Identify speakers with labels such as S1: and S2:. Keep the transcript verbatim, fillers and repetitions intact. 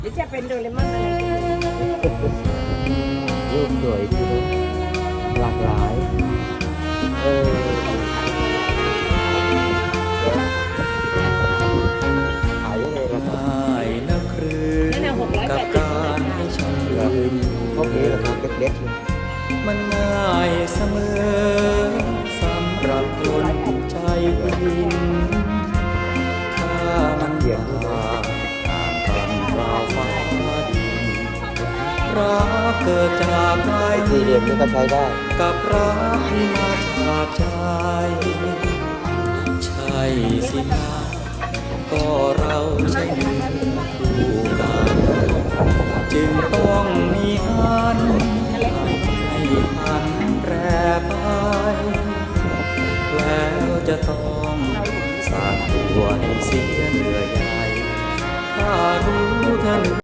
S1: หรือจะเป็นโดเรมอนอะไร
S2: รูปสวยดีเนอะหลากหลายเออขายยังไงล่ะครับ
S3: ได้นะครืน
S1: นั่นน่ะหกร้อย
S3: กั
S1: แป
S3: บ
S1: ดสิบ
S3: การให้ฉันยืน
S2: พวกนี้เหรอครับเล็กๆเนี่ย
S3: มันง่ายเสมอสำหรับคนใจวินถ้ามันอยากต่างกันราวฟ้าดินรักเกิดจากใจ
S2: สี่เหลี่ยมนี่ก็ใช้ได้
S3: กับรักที่มาจากใจใช่สินะก็เราใช่หนึ่งคู่กันจึงต้องมีอันให้พันแปรไปแล้วจะต้องสร้างตัวให้เสียเหนื่อยใหญ่ถ้ารู้ทัน